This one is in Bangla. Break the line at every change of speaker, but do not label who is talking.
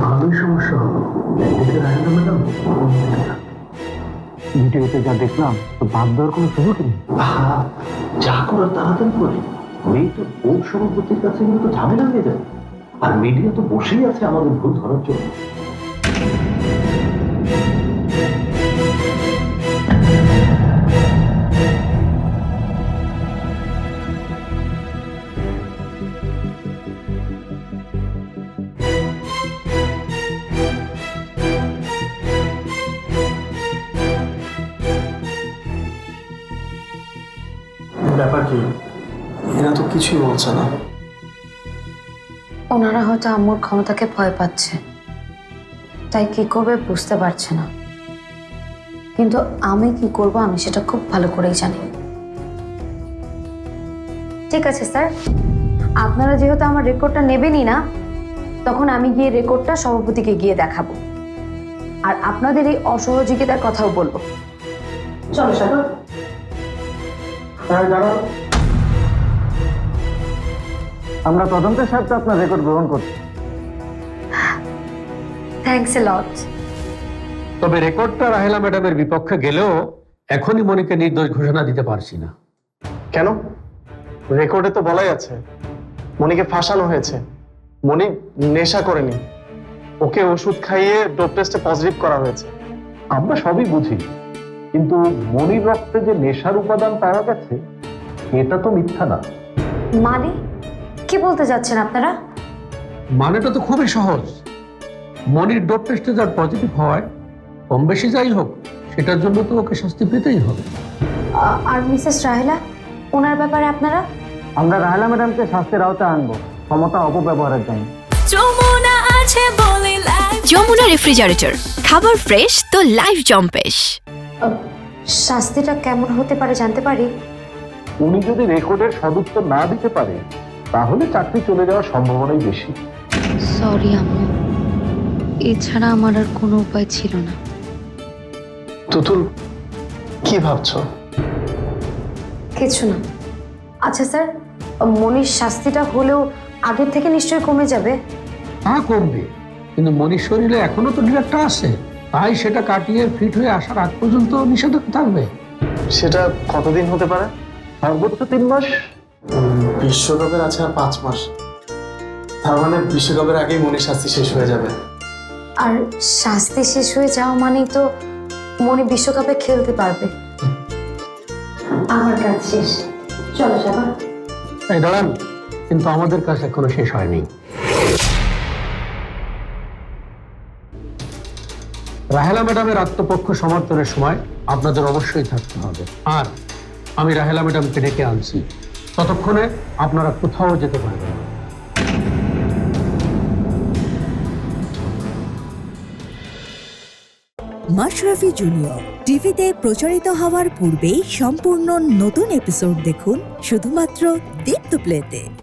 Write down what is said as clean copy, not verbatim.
ভালোই সমস্যা হলো। এদিকে রাহেলা ম্যাডাম ভিডিওতে যা দেখলাম তো বাদ দেওয়ার কোনো সুযোগ নেই। যা করার তাড়াতাড়ি করে, মেয়েটা বোর্ড সভাপতির কাছে কিন্তু ঝামেলা হয়ে যাবে। আর মিডিয়া তো বসেই আছে আমাদের ভুল ধরার জন্য।
ব্যাপার কি? এরা তো কিছুই বলছে না।
ওনারা হয়তো আম্মুর ক্ষমতাকে ভয় পাচ্ছে, তাই কি করবে বুঝতে পারছে না। কিন্তু আমি কি করব আমি সেটা খুব ভালো করেই জানি। ঠিক আছে স্যার, আপনারা যেহেতু আমার রেকর্ডটা নেবেনই না, তখন আমি গিয়ে রেকর্ডটা সভাপতিকে গিয়ে দেখাবো, আর আপনাদের এই অসহযোগিতার কথাও বলবো। চলো সাগর।
দাঁড়াও, আমরা তদন্তের স্বার্থে আপনার রেকর্ড গ্রহণ করছি।
Thanks a lot.
তবে রেকর্ডটা রাহেলা ম্যাডামের বিপক্ষে গেলেও এখনই মনিকে নির্দোষ ঘোষণা দিতে পারছি না।
কেন? রেকর্ডে তো বলাই আছে মনিকে ফাঁসানো হয়েছে। মনি নেশা করেনি, ওকে ওষুধ খাইয়ে ডোপ টেস্টে পজিটিভ করা হয়েছে।
আমরা সবই বুঝি, কিন্তু মনির রক্তে যে নেশার উপাদান পাওয়া গেছে এটা তো মিথ্যা না।
মানে কি বলতে যাচ্ছেন আপনারা?
মানেটা তো খুবই সহজ। মনির ডোপ টেস্টে যার পজিটিভ হওয়ায় কম বেশি যাই হোক, সেটার জন্য তো ওকে শাস্তি পেতেই হবে।
আর মিসেস রাহেলা, ওনার ব্যাপারে আপনারা?
আমরা রাহেলা ম্যাডামকে শাস্তির আওতায় আনবো ক্ষমতা অপব্যবহারের জন্য।
যমুনা রেফ্রিজারেটর, খাবার ফ্রেশ তো লাইফ জম্পেশ।
শাস্তিটা কেমন হতে পারে জানতে পারি?
উনি যদি রেকর্ডের সদুত্তর না দিতে পারে তাহলে চাকরি চলে যাওয়ার সম্ভাবনাই বেশি।
সরি আম্মু, এছাড়া আমার আর কোনো উপায় ছিল না।
তুতুল, কি ভাবছো?
কিছু না। আচ্ছা স্যার, মনির শাস্তিটা হলেও আগের থেকে নিশ্চয়ই কমে যাবে।
হ্যাঁ কমবে, কিন্তু মনির শরীরে এখনো তো ডিরেক্টটা আছে, তাই সেটা কাটিয়ে ফিট হয়ে আসার আগ পর্যন্ত নিষেধাজ্ঞা থাকবে।
সেটা কতদিন হতে পারে?
সর্বোচ্চ 3 মাস।
বিশ্বকাপের আছে আর 5 মাস। তার মানে বিশ্বকাপের আগেই মনির শাস্তি শেষ হয়ে যাবে।
আর শাস্তি শেষ হয়ে যাওয়া মানেই তো মনি বিশ্বকাপে খেলতে পারবে। আমার কাজ শেষ, চলো সাগর।
এই দাঁড়ান, কিন্তু আমাদের কাজ এখনো শেষ হয়নি। রাহেলা ম্যাডামের আত্মপক্ষ সমর্থনের সময় আপনাদের অবশ্যই থাকতে হবে, আর আমি রাহেলা ম্যাডামকে ডেকে আনছি। ততক্ষণে আপনারা কোথাও যেতে পারবেন না।
মাশরাফি জুনিয়র টিভিতে প্রচারিত হওয়ার পূর্বেই সম্পূর্ণ নতুন এপিসোড দেখুন শুধুমাত্র দীপ্ত প্লেতে।